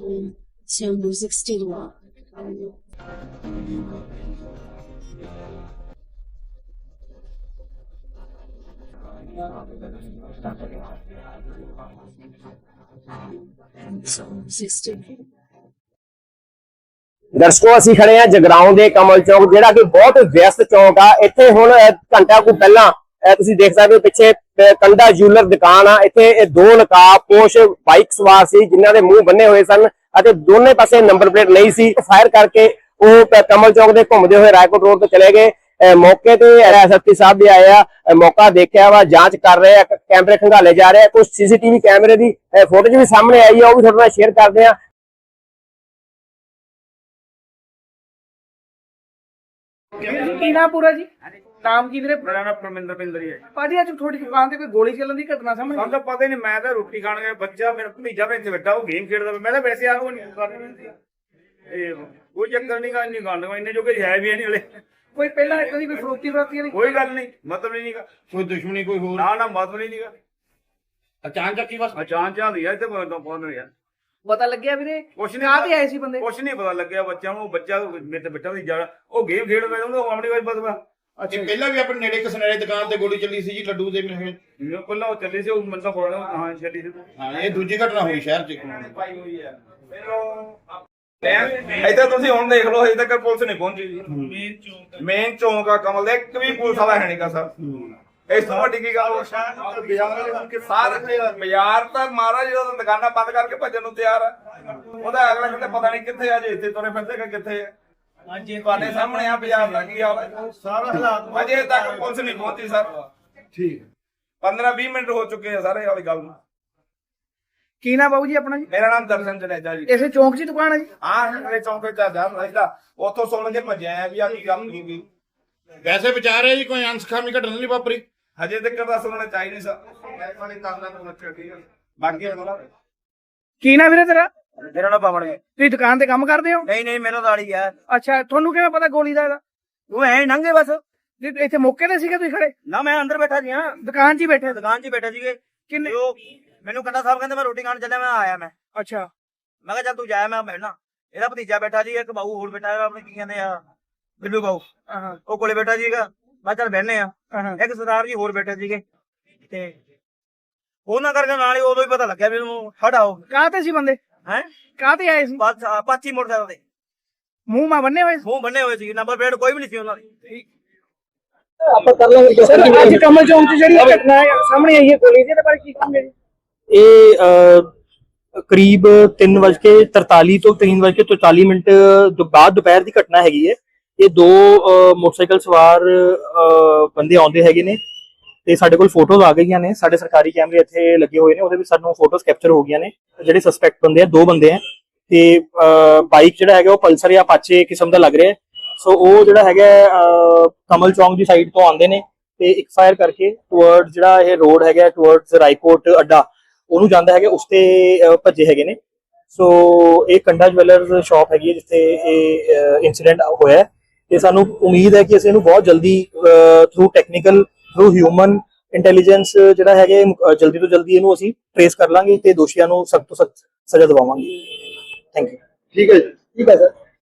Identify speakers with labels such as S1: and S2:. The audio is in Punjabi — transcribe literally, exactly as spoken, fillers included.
S1: to Music Studio. So Music Studio.
S2: दर्शकों ਅਸੀਂ खड़े हैं जगराओं ਦੇ कमल चौक ਜਿਹੜਾ कि बहुत व्यस्त चौक आ। ਇੱਥੇ ਹੁਣ ਘੰਟਾ ਕੁ ਪਹਿਲਾਂ ਤੁਸੀਂ ਦੇਖ ਸਕਦੇ ਹੋ ਪਿੱਛੇ ਕੰਡਾ ਜੂਲਰ ਦੁਕਾਨ ਆ। ਇੱਥੇ ਦੋ ਨਕਾਬਪੋਸ਼ ਬਾਈਕ ਸਵਾਰ ਸੀ ਜਿਨ੍ਹਾਂ ਦੇ ਮੂੰਹ ਬੰਨੇ ਹੋਏ ਸਨ ਅਤੇ ਦੋਨੇ ਪਾਸੇ ਨੰਬਰ ਪਲੇਟ ਨਹੀਂ ਸੀ। ਫਾਇਰ ਕਰਕੇ ਉਹ ਕਮਲ ਚੌਕ ਦੇ ਘੁੰਮਦੇ ਹੋਏ ਰਾਏਕੋਟ ਰੋਡ ਤੇ ਚਲੇ ਗਏ। ਮੌਕੇ ਤੇ ਐਸਐਸਪੀ ਸਾਹਿਬ ਵੀ ਆਏ ਆ, ਮੌਕਾ ਦੇਖਿਆ ਵਾ, ਜਾਂਚ ਕਰ ਰਹੇ ਆ, ਕੈਮਰੇ ਖੰਗਾਲੇ ਜਾ ਰਹੇ ਆ। ਕੁਝ ਸੀਸੀਟੀਵੀ ਕੈਮਰੇ ਦੀ ਫੋਟੋਜ ਵੀ ਸਾਹਮਣੇ ਆਈ ਆ, ਉਹ ਵੀ ਤੁਹਾਡੇ ਨਾਲ ਸ਼ੇਅਰ ਕਰਦੇ ਆ।
S3: ਕੀ ਨਾਮ ਪੂਰਾ ਜੀ? ਨਾਮ ਕੀ ਵੀਰੇ?
S4: ਮੇਰਾ ਨਾਮ ਪਰਮਿੰਦਰ ਪਿੰਦਰ ਹੀ ਹੈ।
S3: ਭਾਜੀ ਅੱਜ ਤੁਹਾਡੀ ਦੁਕਾਨ ਤੇ ਕੋਈ ਗੋਲੀ ਚੱਲਣ ਦੀ ਘਟਨਾ ਸਾਹਮਣੇ
S4: ਸਾਨੂੰ ਤਾਂ ਪਤਾ ਹੀ ਨਹੀਂ। ਮੈਂ ਤਾਂ ਰੋਟੀ ਖਾਣ ਗਿਆ, ਬੱਚਾ ਮੇਰਾ ਭਤੀਜਾ ਮੇਰੇ ਇੱਥੇ ਬੈਠਾ, ਉਹ ਗੇਮ ਖੇਡਦਾ। ਮੈਂ ਤਾਂ ਵੈਸੇ ਆ ਉਹ ਨਹੀਂ ਕਰਦਾ, ਇਹ ਕੋਈ ਚੱਕਰ ਨਹੀਂ ਗਾ, ਇੰਨੀ ਗੱਲ ਇੰਨੇ ਜੋ ਕਿ ਹੈ ਵੀ ਨਹੀਂ ਹਲੇ।
S3: ਕੋਈ ਪਹਿਲਾਂ ਇਦਾਂ ਦੀ ਕੋਈ ਫਰੋਤੀ ਫਰਾਤੀ ਵਾਲੀ
S4: ਕੋਈ ਗੱਲ ਨਹੀਂ, ਮਤਲਬ ਨਹੀਂ ਗਾ,
S5: ਕੋਈ ਦੁਸ਼ਮਣੀ ਕੋਈ ਹੋਰ
S4: ਨਾ ਨਾ ਮਤਲਬ ਨਹੀਂ ਗਾ।
S5: ਅਚਾਨਕ ਹੀ ਬਸ
S4: ਅਚਾਨਕ ਆਂਦੀ ਆ ਇੱਥੇ ਪਹੁੰਚ ਰਿਹਾ।
S3: ਪਤਾ ਲੱਗਿਆ ਵੀਰੇ
S4: ਕੁਛ
S3: ਕਾਹ ਤੇ ਆਏ ਸੀ ਬੰਦੇ?
S4: ਕੁਛ ਨਹੀਂ ਪਤਾ ਲੱਗਿਆ ਬੱਚਿਆਂ ਨੂੰ। ਬੱਚਾ ਮੇਰੇ ਤੇ ਬੈਠਾ ਸੀ, ਜਾ ਉਹ ਗੇਮ ਖੇਡਦਾ, ਉਹਨੂੰ ਆਪਣੀ ਵਾਰ ਪਤਾ।
S5: ਅੱਛਾ, ਪਹਿਲਾਂ ਵੀ ਆਪਣੇ ਨੇੜੇ ਕਸਨੇੜੇ ਦੁਕਾਨ ਤੇ ਗੋਲੀ ਚੱਲੀ ਸੀ ਜੀ ਲੱਡੂ ਦੇ ਮੇਰੇ।
S4: ਪਹਿਲਾਂ ਉਹ ਚੱਲੀ ਸੀ, ਉਹ ਮੈਨੂੰ ਤਾਂ ਫੋੜਾ ਹਾਂ ਚੱਲੀ ਸੀ।
S5: ਹਾਂ, ਇਹ ਦੂਜੀ ਘਟਨਾ ਹੋਈ ਸ਼ਹਿਰ 'ਚ।
S4: ਪਾਈ ਹੋਈ ਆ ਇੱਥੇ ਤੁਸੀਂ ਹੁਣ ਦੇਖ ਲਓ, ਅਜੇ ਤੱਕ ਪੁਲਿਸ ਨਹੀਂ ਪਹੁੰਚੀ ਜੀ। ਮੇਨ ਚੌਂਕ ਮੇਨ ਚੌਂਕ ਆ ਕਮਲ ਦੇ, ਇੱਕ ਵੀ ਪੁਲਿਸ ਵਾਲਾ ਹੈ ਨਹੀਂਗਾ ਸਰ। ਇਸ ਤੋਂ ਵੱਡੀ ਕੀ ਗੱਲ? ਸਾਰੇ ਬਾਜ਼ਾਰ ਤਾਂ ਮਹਾਰਾਜ ਜਦੋਂ ਦੁਕਾਨਾਂ ਬੰਦ ਕਰਕੇ ਭੱਜਣ ਨੂੰ ਤਿਆਰ ਆ। ਉਹਦਾ ਅਗਲਾ ਕਹਿੰਦਾ ਪਤਾ ਨਹੀਂ ਕਿੱਥੇ ਆ, ਜੇ ਇੱਥੇ ਤੁਰੇ ਫਿਰਦੇ ਕਿ ਕਿੱਥੇ ਆ। ਹਾਂਜੀ ਤੁਹਾਡੇ ਸਾਹਮਣੇ ਆ ਬਾਜ਼ਾਰ ਦਾ ਕੀ ਹਾਲ ਹੈ ਸਾਰਾ ਹਾਲਾਤ। ਅਜੇ ਤੱਕ ਪੁਲਿਸ ਨਹੀਂ ਪਹੁੰਚੀ ਸਰ। ਠੀਕ ਪੰਦਰਾਂ ਵੀਹ ਮਿੰਟ ਹੋ ਚੁੱਕੇ ਆ ਸਾਰੇ ਵਾਲੀ ਗੱਲ ਨੂੰ।
S3: ਕੀ ਨਾਮ ਬਾਬੂ ਜੀ ਆਪਣਾ ਜੀ?
S4: ਮੇਰਾ ਨਾਮ ਦਰਸ਼ਨ ਜਨੇਜਾ ਜੀ।
S3: ਇਸੇ ਚੌਂਕ 'ਚ ਹੀ ਦੁਕਾਨ ਹੈ ਜੀ?
S4: ਹਾਂ, ਇਹ ਚੌਂਕ ਚ ਜਾ ਰਿਹਾ। ਉੱਥੋਂ ਸੁਣ ਕੇ ਭੱਜਿਆ ਆ ਵੀ ਆ ਕੀ ਗੱਲ ਹੋ ਗਈ।
S5: ਵੈਸੇ ਵਿਚਾਰ ਹੈ ਜੀ ਕੋਈ ਅਨਸਖਾਮੀ ਘਟਨਾ ਨਹੀਂ ਵਾਪਰੀ
S4: ਹਜੇ ਤੱਕ ਤਾਂ ਸੁਣਨਾ ਚਾਹੀਦਾ ਸਰ। ਬਾਕੀ
S3: ਕੀ ਨਾਮ ਵੀਰੇ ਤੇਰਾ?
S6: ਮੇਰਾ ਨਾਮ ਪਵਨ ਹੈ।
S3: ਤੁਸੀਂ ਦੁਕਾਨ ਤੇ ਕੰਮ ਕਰਦੇ ਹੋ?
S6: ਨਹੀਂ ਨਹੀਂ ਮੈਨੂੰ ਦਾੜੀ ਆ।
S3: ਅੱਛਾ, ਤੁਹਾਨੂੰ ਕਿਵੇਂ ਪਤਾ ਗੋਲੀ ਦਾ ਇਹਦਾ?
S6: ਉਹ ਐ ਨੰਗੇ ਬਸ।
S3: ਜੀ ਇੱਥੇ ਮੌਕੇ ਤੇ ਸੀਗੇ ਤੁਸੀਂ ਖੜੇ?
S6: ਨਾ ਮੈਂ ਅੰਦਰ ਬੈਠਾ ਸੀ। ਹਾਂ
S3: ਦੁਕਾਨ 'ਚ ਹੀ ਬੈਠੇ?
S6: ਦੁਕਾਨ 'ਚ ਹੀ ਬੈਠੇ ਸੀਗੇ।
S3: ਕਿੰਨੇ?
S6: ਉਹ ਮੈਨੂੰ ਕੰਡਾ ਸਾਹਿਬ ਕਹਿੰਦੇ ਮੈਂ ਰੋਟੀ ਖਾਣ ਚੱਲਿਆ, ਮੈਂ ਆਇਆ। ਮੈਂ
S3: ਅੱਛਾ,
S6: ਮੈਂ ਕਿਹਾ ਚੱਲ ਤੂੰ ਜਾਇਆ, ਮੈਂ ਬੈਠਣਾ। ਇਹਦਾ ਭਤੀਜਾ ਬੈਠਾ ਜੀ, ਇੱਕ ਬਾਊ ਹੋਰ ਬੈਠਾ ਹੈ, ਆਪਣੇ ਕੀ ਕਹਿੰਦੇ ਆ ਬਿੱਲੂ ਬਾਊ,
S3: ਹਾਂ
S6: ਉਹ ਕੋਲੇ ਬੈਠਾ ਸੀਗਾ। ਮੈਂ ਚੱਲ ਬਹਿਨੇ ਆ।
S3: ਹਾਂ।
S6: ਇੱਕ ਸਰਦਾਰ ਜੀ ਹੋਰ ਬੈਠੇ ਸੀਗੇ ਤੇ ਉਹਨਾਂ ਕਰਕੇ ਨਾਲ ਹੀ ਉਦੋਂ ਹੀ ਪਤਾ ਲੱਗਿਆ ਵੀ ਉਹਨੂੰ ਹਟਾਓ।
S3: ਕਾਹ ਤੇ ਸੀ ਬੰਦੇ?
S6: ਹੈ
S3: ਕਾਹ ਤੇ ਆਏ ਸੀ?
S6: ਬਸ ਪਾਚੀ ਮੋਟਰਸਾਈਕਲ ਤੇ
S3: ਮੂੰਹ ਮਾ ਬੰਨੇ ਹੋਏ ਸੀ?
S6: ਮੂੰਹ ਬੰਨੇ ਹੋਏ ਸੀ, ਨੰਬਰ ਪਲੇਟ ਕੋਈ ਵੀ ਨਹੀਂ ਸੀ ਉਹਨਾਂ ਦੀ।
S2: ਆਪਾਂ ਕਰ ਲਾਂਗੇ।
S3: ਸਰ ਅੱਜ ਕਮਲ ਚੌਂਕ 'ਚ ਜਿਹੜੀ ਘਟਨਾ ਹੈ ਸਾਹਮਣੇ ਆਈ ਹੈ ਗੋਲੀ ਦੀ, ਇਹਦੇ ਬਾਰੇ ਕੀ ਕਹੋਗੇ ਜੀ?
S7: ਇਹ ਕਰੀਬ ਤਿੰਨ ਵੱਜ ਕੇ ਤਰਤਾਲੀ ਤੋਂ ਤਿੰਨ ਵੱਜ ਕੇ ਚੌਤਾਲੀ ਮਿੰਟ ਤੋਂ ਬਾਅਦ ਦੁਪਹਿਰ ਦੀ ਘਟਨਾ ਹੈਗੀ ਹੈ। ਇਹ ਦੋ ਮੋਟਰਸਾਈਕਲ ਸਵਾਰ ਬੰਦੇ ਆਉਂਦੇ ਹੈਗੇ ਨੇ ਤੇ ਸਾਡੇ ਕੋਲ ਫੋਟੋਜ਼ ਆ ਗਈਆਂ ਨੇ। ਸਾਡੇ ਸਰਕਾਰੀ ਕੈਮਰੇ ਇੱਥੇ ਲੱਗੇ ਹੋਏ ਨੇ, ਉਹਦੇ ਵਿੱਚ ਸਾਨੂੰ ਫੋਟੋਜ਼ ਕੈਪਚਰ ਹੋ ਗਈਆਂ ਨੇ। ਜਿਹੜੇ ਸਸਪੈਕਟ ਬੰਦੇ ਆ ਦੋ ਬੰਦੇ ਆ ਤੇ ਬਾਈਕ ਜਿਹੜਾ ਹੈਗਾ ਉਹ ਪਲਸਰ ਜਾਂ ਅਪਾਚੇ ਕਿਸਮ ਦਾ ਲੱਗ ਰਿਹਾ। ਸੋ ਉਹ ਜਿਹੜਾ ਹੈਗਾ ਕਮਲ ਚੌਂਕ ਦੀ ਸਾਈਡ ਤੋਂ ਆਉਂਦੇ ਨੇ ਤੇ ਇੱਕ ਫਾਇਰ ਕਰਕੇ ਟੁਵਰਡ ਜਿਹੜਾ ਇਹ ਰੋਡ ਹੈਗਾ ਟੁਵਰਡਸ ਰਾਏਕੋਟ ਅੱਡਾ ਉਹਨੂੰ ਜਾਂਦਾ ਹੈਗਾ, ਉਸ ਤੇ ਭੱਜੇ ਹੈਗੇ ਨੇ। ਸੋ ਇਹ ਕੰਡਾ ਜਵੈਲਰਸ ਸ਼ਾਪ ਹੈਗੀ ਹੈ ਜਿੱਥੇ ਇਹ ਇਨਸੀਡੈਂਟ ਹੋਇਆ ਤੇ ਸਾਨੂੰ ਉਮੀਦ ਹੈ ਕਿ ਅਸੀਂ ਇਹਨੂੰ ਬਹੁਤ ਜਲਦੀ through technical through human intelligence ਜਿਹੜਾ ਹੈਗੇ ਜਲਦੀ ਤੋਂ ਜਲਦੀ ਇਹਨੂੰ ਅਸੀਂ ਟ੍ਰੇਸ ਕਰ ਲਾਂਗੇ ਤੇ ਦੋਸ਼ੀਆਂ ਨੂੰ ਸਖਤ ਤੋਂ ਸਖਤ ਸਜ਼ਾ ਦਿਵਾਵਾਂਗੇ। Thank you.
S2: ਠੀਕ ਹੈ ਜੀ, ਠੀਕ ਹੈ ਸਰ।